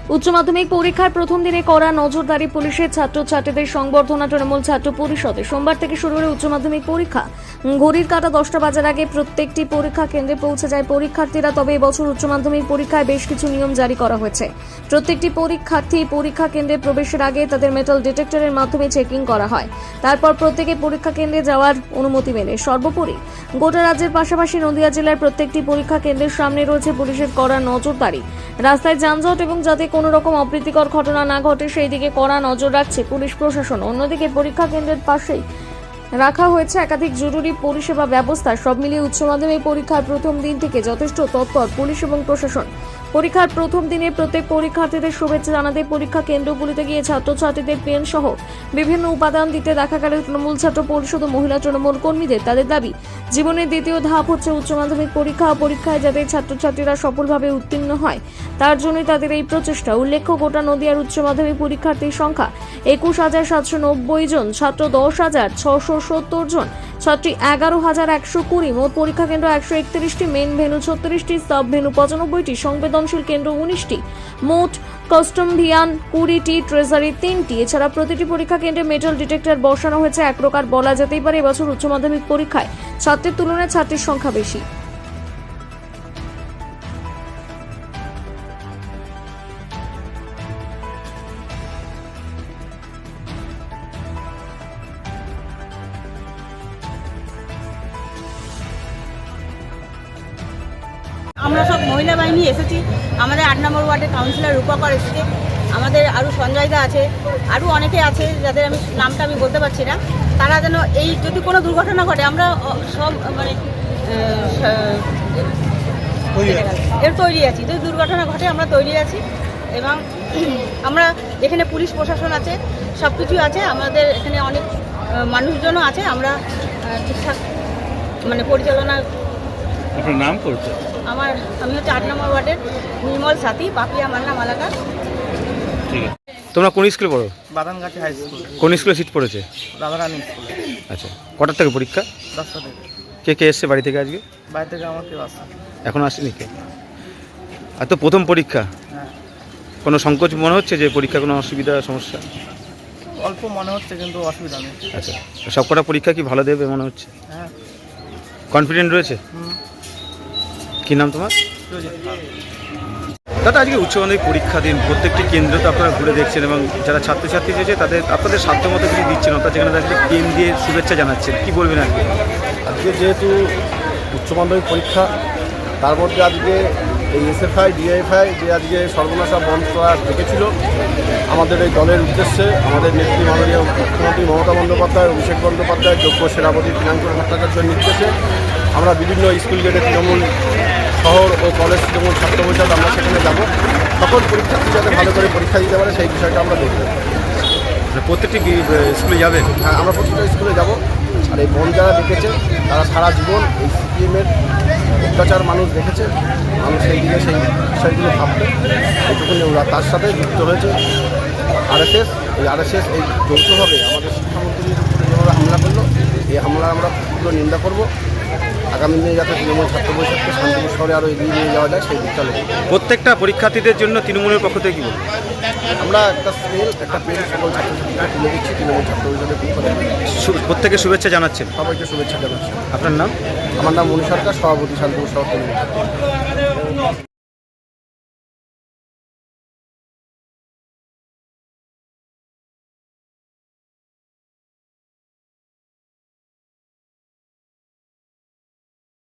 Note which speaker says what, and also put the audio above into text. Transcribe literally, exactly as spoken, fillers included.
Speaker 1: উচ্চ মাধ্যমিক পরীক্ষার প্রথম দিনে কড়া নজরদারি পুলিশের ছাত্রছাত্রীদের সংবর্ধনা তৃণমূল ছাত্র পরিষদে সোমবার থেকে শুরু হলো উচ্চ মাধ্যমিক পরীক্ষা। ঘড়ির কাঁটা দশটা বাজার আগে প্রত্যেকটি পরীক্ষা কেন্দ্রে পৌঁছে যায় পরীক্ষার্থীরা। তবে এবছর উচ্চ মাধ্যমিক পরীক্ষায় বেশ কিছু নিয়ম জারি করা হয়েছে। প্রত্যেকটি পরীক্ষার্থী পরীক্ষা কেন্দ্রে প্রবেশের আগে তাদের মেটাল ডিটেক্টরের মাধ্যমে চেকিং করা হয়। তারপর প্রত্যেকে পরীক্ষা কেন্দ্রে যাওয়ার অনুমতি মেলে। সর্বোপরি গোটা রাজ্যের পাশাপাশি নদিয়া জেলার প্রত্যেকটি পরীক্ষা কেন্দ্রের সামনে রয়েছে পুলিশের কড়া নজরদারি। রাস্তায় যানজট এবং যাতে কোনো রকম অপ্রীতিকর ঘটনা না ঘটে সেই দিকে কড়া নজর রাখছে পুলিশ প্রশাসন। অন্যদিকে পরীক্ষা কেন্দ্রের পাশেই রাখা হয়েছে একাধিক জরুরি পরিষেবা ব্যবস্থা। সব মিলিয়ে উচ্চ মাধ্যমিক পরীক্ষার প্রথম দিন থেকে যথেষ্ট তৎপর পুলিশ এবং প্রশাসন। পরীক্ষার প্রথম দিনে প্রত্যেক পরীক্ষার্থীদের শুভেচ্ছা জানাতে পরীক্ষা কেন্দ্রগুলিতে গিয়ে ছাত্রছাত্রীদের পেন সহ বিভিন্ন উপাদান দিতে দেখা গেল তৃণমূল ছাত্র পরিষদ ও মহিলা তৃণমূল কর্মীদের। তাদের দাবি, জীবনের দ্বিতীয় ধাপ হচ্ছে উচ্চ মাধ্যমিক পরীক্ষা। পরীক্ষায় যাতে ছাত্রছাত্রীরা সফলভাবে উত্তীর্ণ হয় তার জন্যই তাদের এই প্রচেষ্টা। উল্লেখ্য, গোটা নদিয়ার উচ্চ মাধ্যমিক পরীক্ষার্থীর সংখ্যা একুশ হাজার সাতশো নব্বই জন, ছাত্র দশ হাজার ছশো সত্তর জন, ছাত্রী এগারো হাজার একশো কুড়ি। মোট পরীক্ষা কেন্দ্র একশো একত্রিশটি, মেন ভেন্যু ছত্রিশটি, সাব ভেন্যু পঁচানব্বইটি, সংবেদনশীল কেন্দ্র উনিশটি, মোট কাস্টম ভিয়ান কুড়িটি, ট্রেজারি তিনটি। এছাড়া প্রতিটি পরীক্ষা কেন্দ্রে মেটাল ডিটেক্টর বসানো হয়েছে। এক প্রকার বলা যেতেই পারে এবছর উচ্চ মাধ্যমিক পরীক্ষায় ছাত্রের তুলনায় ছাত্রীর সংখ্যা বেশি।
Speaker 2: আমরা সব মহিলা বাহিনী এসেছি। আমাদের আট নম্বর ওয়ার্ডের কাউন্সিলর রূপকর এসেছে, আমাদের আরও সঞ্জয়দা আছে, আরও অনেকে আছে যাদের আমি নামটা আমি বলতে পারছি না। তারা যেন এই যদি কোনো দুর্ঘটনা ঘটে আমরা সব মানে এর তৈরি আছি। যদি দুর্ঘটনা ঘটে আমরা তৈরি আছি এবং আমরা এখানে পুলিশ প্রশাসন আছে, সব কিছুই আছে। আমাদের এখানে অনেক মানুষজনও আছে। আমরা ঠিকঠাক মানে পরিচালনা।
Speaker 3: আপনার নাম করছে?
Speaker 2: আমার আমি হচ্ছে আট নম্বর ওয়ার্ডের নির্মল সাথী, পাপিয়া মান্না মালাকা।
Speaker 3: ঠিক আছে। তোমরা কোন স্কুলে পড়ো?
Speaker 4: Badangachhi high school.
Speaker 3: কোন স্কুলে সিট পড়েছে?
Speaker 4: রাধারানী স্কুল।
Speaker 3: আচ্ছা, কটার থেকে পরীক্ষা?
Speaker 4: দশটা থেকে।
Speaker 3: কে কে এসছে বাড়ি থেকে আজকে?
Speaker 4: বাড়ি থেকে আমার কেউ আসছে?
Speaker 3: এখন আসেনি কে? আর তো প্রথম পরীক্ষা,
Speaker 4: হ্যাঁ।
Speaker 3: কোনো সংকোচ মনে হচ্ছে যে পরীক্ষা কোনো অসুবিধা সমস্যা?
Speaker 4: অল্প মনে হচ্ছে কিন্তু অসুবিধা নেই।
Speaker 3: আচ্ছা, সব কটা পরীক্ষা কি ভালো দেবে মনে হচ্ছে?
Speaker 4: হ্যাঁ।
Speaker 3: কনফিডেন্ট রয়েছে?
Speaker 4: হুম।
Speaker 3: কী নাম তোমার? দাদা, আজকে উচ্চ মাধ্যমিক পরীক্ষা দিন, প্রত্যেকটি কেন্দ্র তো আপনারা ঘুরে দেখছেন এবং যারা ছাত্রছাত্রী রয়েছে তাদের আপনাদের সাধ্য মতো কিছু দিচ্ছেন, অর্থাৎ যেখানে তাদেরকে পেন দিয়ে শুভেচ্ছা জানাচ্ছেন, কী বলবেন আজকে?
Speaker 5: আজকে যেহেতু উচ্চ মাধ্যমিক পরীক্ষা, তার মধ্যে আজকে এই এসএফআই ডিএফআই যে আজকে সর্বনাশা বন্ধ করা ডেকেছিল আমাদের এই দলের উদ্দেশ্যে, আমাদের নেত্রী মাননীয় মুখ্যমন্ত্রী মমতা বন্দ্যোপাধ্যায়, অভিষেক বন্দ্যোপাধ্যায়, যোগ্য সেনাপতি পিনাঙ্কুর ভট্টাচার্যের নির্দেশে আমরা বিভিন্ন স্কুল গেটে তৃণমূল শহর ও কলেজ তৃণমূল ছাত্র পরিষদ আমরা সেখানে যাব। সকল পরীক্ষার্থী যাতে ভালো করে পরীক্ষা দিতে পারে সেই বিষয়টা আমরা দেখব।
Speaker 3: প্রত্যেকটি স্কুলে যাবেন?
Speaker 5: হ্যাঁ, আমরা প্রত্যেকটা স্কুলে যাব। আর এই বন যারা দেখেছে তারা সারা জীবন এই সিপিএমের অত্যাচার মানুষ দেখেছে, মানুষ সেই দিকে সেই বিষয়গুলো ভাববে এইটুকুনি ওরা তার সাথে যুক্ত হয়েছে আরএসএস। এই আরএসএস এই যৌথভাবে আমাদের শিক্ষামন্ত্রীর উপরে যেভাবে হামলা করলো, এই হামলার আমরা তীব্র নিন্দা করব। আগামী দিনে যাতে তৃণমূল ছাত্র পরিষদকে শান্তিপুর শহরে আরও এগিয়ে নিয়ে যাওয়া যায় সেই দিকটা লক্ষ্য।
Speaker 3: প্রত্যেকটা পরীক্ষার্থীদের জন্য তৃণমূলের পক্ষ থেকে কী বলবো?
Speaker 5: আমরা একটা স্কেল একটা পেন সকল ছাত্রছাত্রীরা তুলে দিচ্ছি তৃণমূল ছাত্র পরিষদের পক্ষ থেকে।
Speaker 3: প্রত্যেকে শুভেচ্ছা জানাচ্ছেন?
Speaker 5: সবাইকে শুভেচ্ছা জানাচ্ছি।
Speaker 3: আপনার নাম?
Speaker 5: আমার নাম মণি সরকার, সভাপতি শান্তিপুর শহর তৃণমূল।